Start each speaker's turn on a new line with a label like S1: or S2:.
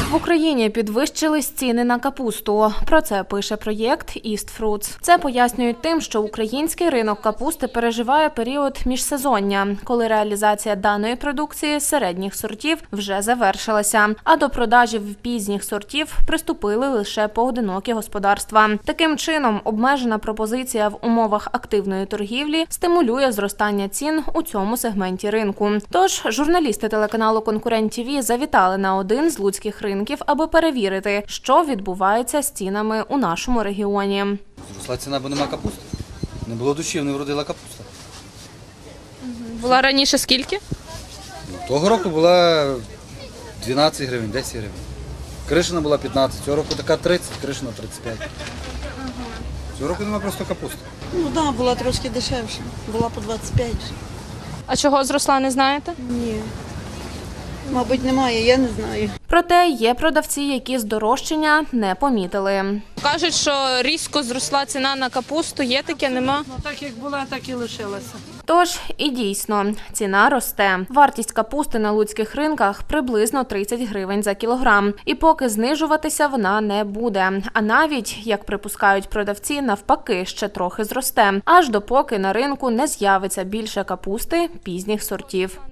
S1: В Україні підвищились ціни на капусту. Про це пише проєкт «East Fruits». Це пояснюють тим, що український ринок капусти переживає період міжсезоння, коли реалізація даної продукції середніх сортів вже завершилася, а до продажів пізніх сортів приступили лише поодинокі господарства. Таким чином, обмежена пропозиція в умовах активної торгівлі стимулює зростання цін у цьому сегменті ринку. Тож, журналісти телеканалу «Конкурент ТВ» завітали на один з луцьких ринків, аби перевірити, що відбувається з цінами у нашому регіоні.
S2: Зросла ціна, бо нема капусти. Не було душів, не вродила капуста.
S3: Була раніше скільки?
S2: Того року була 12 гривень, 10 гривень. Кришина була 15, цього року така 30, кришина 35. Цього року нема просто капусти.
S4: Ну так, була трошки дешевше. Була по 25.
S3: А чого зросла, не знаєте?
S4: Ні. Мабуть, немає, я не знаю.
S1: Проте є продавці, які здорожчання не помітили.
S3: Кажуть, що різко зросла ціна на капусту. Є таке, нема?
S5: Ну, так як була, так і лишилася.
S1: Тож і дійсно, ціна росте. Вартість капусти на луцьких ринках приблизно 30 гривень за кілограм. І поки знижуватися вона не буде. А навіть, як припускають продавці, навпаки, ще трохи зросте. Аж допоки на ринку не з'явиться більше капусти пізніх сортів.